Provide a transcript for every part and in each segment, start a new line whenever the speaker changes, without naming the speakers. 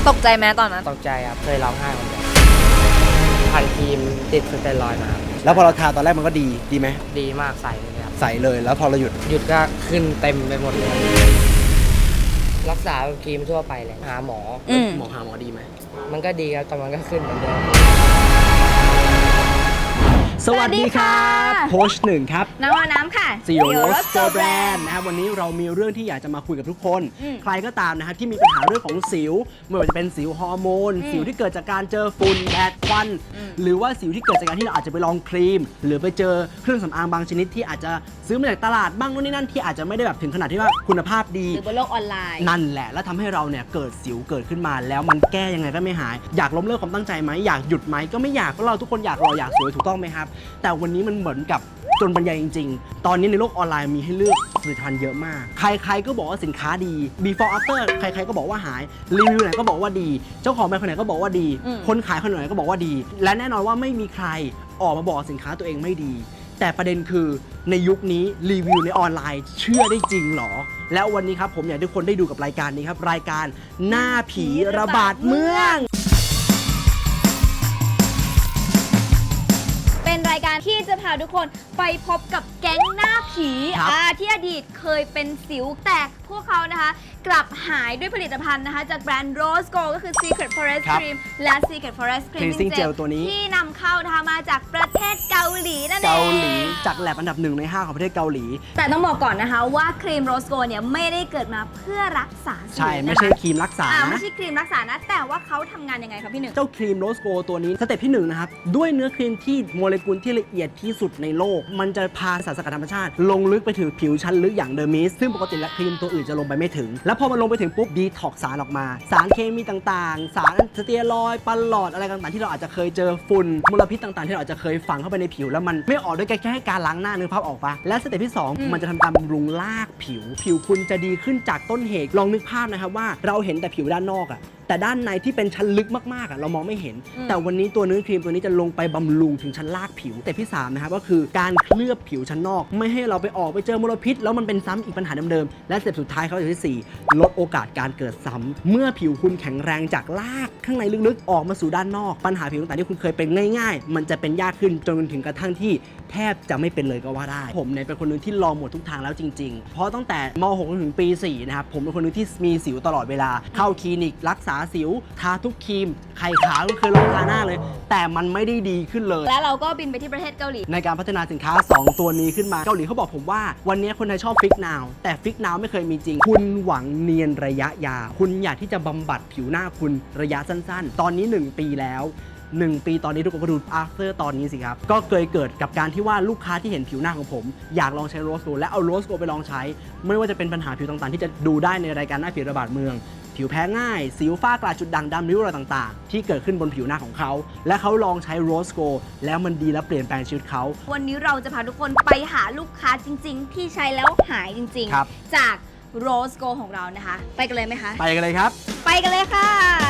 ตกใจไหมตอนนั้น
ตกใจครับเคยร้องไห้คนเดียวพันครีมติดสเตียรอยด์มา
แล้วพอเราทาตอนแรกมันก็ดีไหม
ดีมากใสเลยครับ
ใสเลยแล้วพอเราหยุด
ก็ขึ้นเต็มไปหมดเลยรักษาครีมทั่วไปเลยหาหมอ
หมอดีไหม
มันก็ดีครับแต่มันก็ขึ้นเหมือนเดิม
สวัสดีครับโค้ชหนึ่งครับ
น้ำค่ะ
ซีโอโรสโกแบรนด์นะครับวันนี้เรามีเรื่องที่อยากจะมาคุยกับทุกคนใครก็ตามนะครับที่มีปัญหาเรื่องของสิวไม่ว่าจะเป็นสิวฮอร์โมนสิวที่เกิดจากการเจอฝุ่นแดดควันหรือว่าสิวที่เกิดจากการที่เราอาจจะไปลองครีมหรือไปเจอเครื่องสำอางบางชนิดที่อาจจะซื้อมาจากตลาดบ้างนู่นนี่นั่นที่อาจจะไม่ได้แบบถึงขนาดที่ว่าคุณภาพดี
หรือบนโลกออนไลน์
นั่นแหละแล้วทำให้เราเนี่ยเกิดสิวเกิดขึ้นมาแล้วมันแก้ยังไงก็ไม่หายอยากล้มเลิกความตั้งใจไหมอยากหยุดไหมก็ไม่อยากเพราะเราทุกคนอยากรออยากสวยถูกต้องไหมครับแต่วันนี้มันเหมือนกับจนบรรยายจริงๆตอนนี้ในโลกออนไลน์มีให้เลือกผลิตภัณฑ์เยอะมากใครๆก็บอกว่าสินค้าดี before after ใครๆก็บอกว่าหายรีวิวไหนก็บอกว่าดีเจ้าของแบรนด์คนไหนก็บอกว่าดีคนขายคนไหนก็บอกว่าดีและแน่นอนว่าไม่มีใครออกมาบอกสินค้าตัวเองไม่ดีแต่ประเด็นคือในยุคนี้รีวิวในออนไลน์เชื่อได้จริงหรอแล้ววันนี้ครับผมอยากให้ทุกคนได้ดูกับรายการนี้ครับรายการหน้าผีระบาดเมือง
เป็นรายการที่จะพาทุกคนไปพบกับแก๊งหน้าผีที่อดีตเคยเป็นสิวแต่พวกเขานะคะกลับหายด้วยผลิตภัณฑ์นะคะจากแบรนด์ Rose Gold ก็คือ Secret Forest Cream และ Secret Forest
Cleansing Gel ตัวนี้
ที่นำเข้านะคะมาจากประเทศเกาหลีนั่นเอง
เกาหลีจากแลบอันดับ1ใน5ของประเทศเกาหลี
แต่ต้องบอกก่อนนะคะว่าครีม Rose Gold เนี่ยไม่ได้เกิดมาเพื่อรักษาสิว
ใช่ไม่ใช่ครีมรักษานะ
ไม่ใช่ครีมรักษานะแต่ว่าเขาทำงานยังไงครับพี่หนึ่ง
เจ้าครีม Rose Gold ตัวนี้สเต็ปที่1นะครับด้วยเนื้อครีมที่โมเลกุลที่ละเอียดที่สุดในโลกมันจะพาสารสกัดธรรมชาติลงลึกไปถึงผิวชั้นลึกอย่างเดอร์มิสซึ่งปกติแล้วครีมตัวอื่นจะลงไปไม่ถึงแล้วพอมันลงไปถึงปุ๊บดีท็อกสารออกมาสารเคมีต่างๆสารสเตียรอยด์ปลอดอะไรต่างๆที่เราอาจจะเคยเจอฝุ่นมลพิษต่างๆที่เราอาจจะเคยฝังเข้าไปในผิวแล้วมันไม่ออกด้วยแค่การล้างหน้านึกภาพออกปะและสเต็ปที่2มันจะทำการบำรุงรากผิวคุณจะดีขึ้นจากต้นเหตุลองนึกภาพนะครับว่าเราเห็นแต่ผิวด้านนอกแต่ด้านในที่เป็นชั้นลึกมากๆเรามองไม่เห็นแต่วันนี้ตัวเนื้อครีมตัวนี้จะลงไปบำรุงถึงชั้นรากผิวแต่ที่3นะครับก็คือการเคลือบผิวชั้นนอกไม่ให้เราไปออกไปเจอมลพิษแล้วมันเป็นซ้ำอีกปัญหาเดิมๆและสเต็ปสุดท้ายเขาอย่างที่4ลดโอกาสการเกิดซ้ำเมื่อผิวคุณแข็งแรงจากรากข้างในลึกๆออกมาสู่ด้านนอกปัญหาผิวต่างๆที่คุณเคยเป็นง่ายๆมันจะเป็นยากขึ้นจนถึงกระทั่งที่แทบจะไม่เป็นเลยก็ว่าได้ผมเนี่ยเป็นคนนึงที่ลองหมดทุกทางแล้วจริงๆเพราะตั้งแต่ม.6 ถึงปี 4นะครับผมเป็นคนนึงที่มีสิวตลอดเวลาเข้าคลินิกรักษาสิวทาทุกครีมไข่ขาวเคยลองทาหน้าเลยแต่มันไม่ได้ดีขึ้นเลย
แล้วเราก็บินไปที่ประเทศเกาหลี
ในการพัฒนาสินค้า2ตัวนี้ขึ้นมาเกาหลีเขาบอกผมว่าวันนี้คนไทยชอบฟิกนาวแต่ฟิกนาวไม่เคยมีจริงคุณหวังเนียนระยะยาวคุณอยากที่จะบำบัดผิวหน้าคุณระยะสั้นๆตอนนี้1 ปีแล้ว1 ปีตอนนี้ทุกคนก็ดู after ตอนนี้สิครับก็เคยเกิดกับการที่ว่าลูกค้าที่เห็นผิวหน้าของผมอยากลองใช้โรสโกและเอาโรสโกไปลองใช้ไม่ว่าจะเป็นปัญหาผิวต่างๆที่จะดูได้ในรายการหน้าผีระบาดเมืองผิวแพ้ง่ายสิวฝ้ากระจุดด่างดำริ้วรอยต่างๆที่เกิดขึ้นบนผิวหน้าของเขาและเขาลองใช้โรสโกแล้วมันดีและเปลี่ยนแปลงชีวิตเขา
วันนี้เราจะพาทุกคนไปหาลูกค้าจริงๆที่ใช้แล้วหายจริงๆจากโรสโกของเรานะคะไปกันเลยไหมคะ
ไปกันเลยครับ
ไปกันเลยค่ะ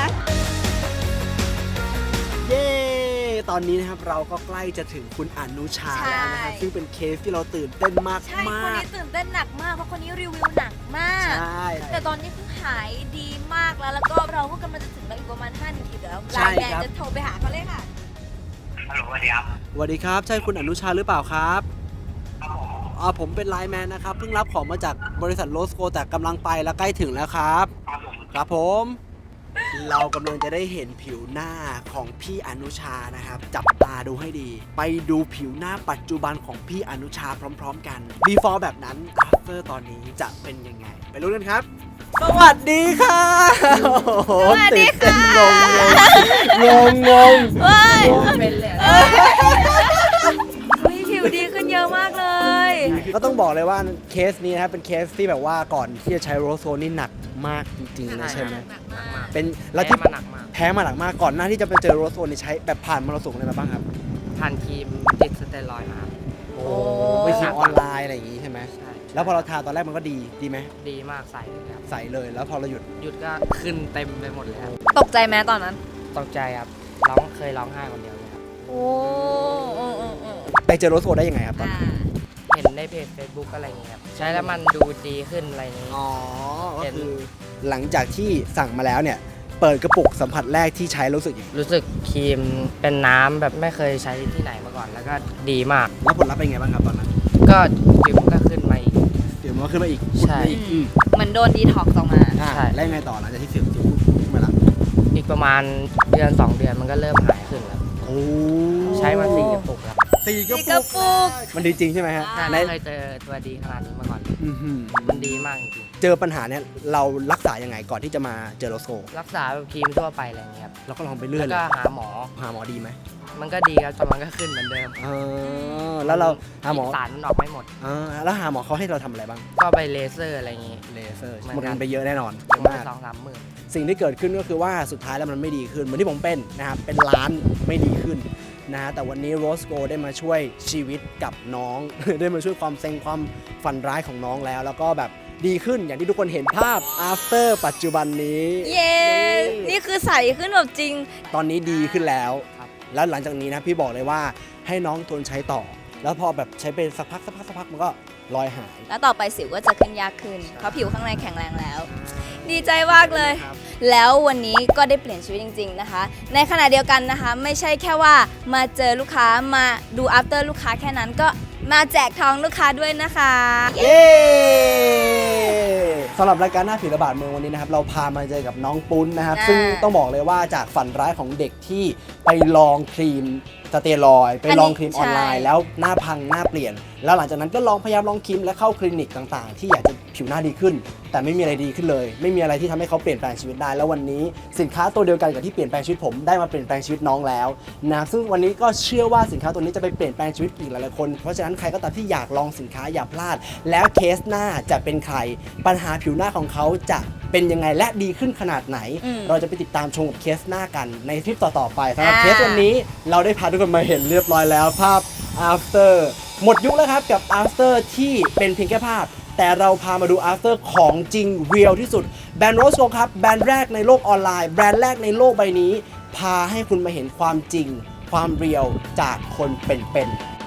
เย้ตอนนี้นะครับเราก็ใกล้จะถึงคุณอนุชาแล้วนะครับซึ่งเป็นเคสที่เราตื่นเต้นมาก
ใช่คนนี้ตื่นเต้นหนักมากเพราะคนนี้รีวิวหนักมาก
ใช่
แต่ตอนนี้เพิ่งหายดีมากแล้วก็เราก็กำลังจะถึงแล้วอีกประมาณ5 นาทีแล้วไลน์แมนจะโทรไปหาเขาเลยค่ะ
ฮัลโหลสวัสดีครับ
สวัสดีครับใช่คุณอนุชาหรือเปล่าครับผมเป็นไลน์แมนนะครับเพิ่งรับของมาจากบริษัทโรสโกแต่กำลังไปแล้วใกล้ถึงแล้วครับครับผมเรากำลังจะได้เห็นผิวหน้าของพี่อนุชานะครับจับตาดูให้ดีไปดูผิวหน้าปัจจุบันของพี่อนุชาพร้อมๆกัน before แบบนั้น after ตอนนี้จะเป็นยังไงไปรู้กันครับสวัสดีค่ะ
สวัสดีค่ะ
งง
เป็นเลยผิวดีขึ้นเยอะมากเลย
ก็ต้องบอกเลยว่าเคสนี้นะครับเป็นเคสที่แบบว่าก่อนที่จะใช้โรสโกนี่หนักมากจริงๆนะใช่ไหมเป็น
แล้วที่
แพ้มาหนักมากก่อนหน้าที่จะไปเจอโรสโกนี่ใช้แบบผ่านมรสุมอะไรมาบ้างครับ
ผ่านครีมติดสเตียรอยด์มา
โอ้ไปซื้อออนไลน์อะไรอย่างงี้ใช่ไหมใช่แล้วพอเราทาตอนแรกมันก็ดีไหม
ดีมากใสเลยครับ
ใสเลยแล้วพอเราหยุด
ก็ขึ้นเต็มไปหมดเลยครับ
ตกใจไหมตอนนั้น
ตกใจครับเคยร้องไห้คนเดียวเลยครับ
โอ้
ไปเจอโรสโกได้ยังไงครับตอน
เห็นในเพจ Facebook อะไรอย่างเงี้ยครับใช้แล้วมันดูดีขึ้นอะไรอย่างงี้
ก็คือหลังจากที่สั่งมาแล้วเนี่ยเปิดกระปุกสัมผัสแรกที่ใช้รู้สึกยังไง
รู้สึกครีมเป็นน้ำแบบไม่เคยใช้ที่ไหนมาก่อน แล้วก็ดีมาก
แล้วผลลัพธ์เป็นไงบ้างครับตอนนั้น
ก็ผิวมันก็ขึ้นมาอีก
เดี๋ยวมันก็ขึ้นมาอีก
ใช่
อีก
เหมือนโดนดีท็อกซ์ออกมา
ใช่
แล้วยังไงต่อหลังจากที่เสียงขึ้นมาละ
อีกประมาณเดือน 2 เดือนมันก็เริ่มหายขึ้นแล้ว
โอ้
ใช้มา4 กระปุกแล้ว
สี่ก
สี่กระ
ระ
ปุ
ปุ
ก
กมันดีจริงใช่ไหมฮะ
ใช่
ใน
ไม่เคยเจอตัวดีขนาดนี้มาก่อน
อื้อหือ
มันดีมากจริง
เจอปัญหาเนี่ยเรารักษายังไงก่อนที่จะมาเจอโรสโก
ๆรักษาแบบครีมทั่วไปอะไรอย่างเงี้ยครับ
เราก็ลองไปเรื่อ
แล้
ยว เล
ก็
ย
หาหมอ
หาหมอดีไหม
มันก็ดีครับแต่มันก็ขึ้นเหมือนเดิม
แล้วเราหาหมอ
สารมันออกไม่หมด
แล้วหาหมอเขาให้เราทำอะไรบ้าง
ก็ไปเลเซอร์อะไรอย่างงี้
เลเซอร์
เหมื
หม
อน
ด
กัน
เงินไปเยอะแน่นอน
เยอะ
มาก
2-3 หมื่น
สิ่งที่เกิดขึ้นก็คือว่าสุดท้ายแล้วมันไม่ดีขึ้นเหมือนที่ผมเป็นนะครับเป็นล้านไม่ดีขึ้นนะแต่วันนี้โรสโกได้มาช่วยชีวิตกับน้อง ได้มาช่วยความเซ็งความฝันร้ายของน้องแล้วก็แบบดีขึ้นอย่างที่ทุกคนเห็นภาพ after ปัจจุบันนี้
เย้ นี่คือใสขึ้นแบบจริง
ตอนนี้ดีขึ้นแล้ว
ครับ
แล้วหลังจากนี้นะพี่บอกเลยว่าให้น้องทนใช้ต่อ แล้วพอแบบใช้ไปสักพักมันก็รอยหาย
แล้วต่อไปสิวก็จะขึ้นยากขึ้น เพราะผิวข้างในแข็งแรงแล้ว ดีใจมากเลย
ครับ
แล้ววันนี้ก็ได้เปลี่ยนชีวิตจริง ๆนะคะ ในขณะเดียวกันนะคะ ไม่ใช่แค่ว่ามาเจอลูกค้ามาดู after ลูกค้าแค่นั้นก็มาแจกทองลูกค้าด้วยนะคะ
เย้สำหรับรายการหน้าผีระบาดเมืองวันนี้นะครับเราพามาเจอกับน้องปุ้นนะครับ
อ่า
ซึ่งต้องบอกเลยว่าจากฝันร้ายของเด็กที่ไปลองครีมสเตียรอยด์ไปลองครีมออนไลน์
ใช่
แล้วหน้าพังหน้าเปลี่ยน แล้วหลังจากนั้นก็ลองพยายามลองครีมและเข้าคลินิกต่างๆ ที่อยากจะผิวหน้าดีขึ้น แต่ไม่มีอะไรดีขึ้นเลย ไม่มีอะไรที่ทำให้เขาเปลี่ยนแปลงชีวิตได้ แล้ววันนี้สินค้าตัวเดียวกันกับที่เปลี่ยนแปลงชีวิตผมได้มาเปลี่ยนแปลงชีวิตน้องแล้วนะซึ่งวันนี้ก็เชื่อว่าสินค้าตัวนี้จะไปเปลี่ยนแปลงชีวิตอีกหลายๆคนเพราะฉะนั้นใครก็ตามที่อยากลองสินค้าอย่าพลาด แล้วเคสหน้าจะเป็นใครปัญหาผิวหน้าของเขาจะเป็นยังไงและดีขึ้นขนาดไหน เราจะไปติดตามชมกับเคสหน้ากันในคลิปต่อๆไปสำหรับเคสวันนี้เราได้พาทุกคนมาเห็นเรียบร้อยแล้วภาพ after หมดยุคแล้วครับกับ after ที่เป็นเพียงแค่ภาพ แต่เราพามาดู after ของจริงเรียลที่สุดแบรนด์โรสโกครับแบรนด์แรกในโลกออนไลน์แบรนด์แรกในโลกใบนี้ พาให้คุณมาเห็นความจริง ความเรียลจากคนเป็นๆ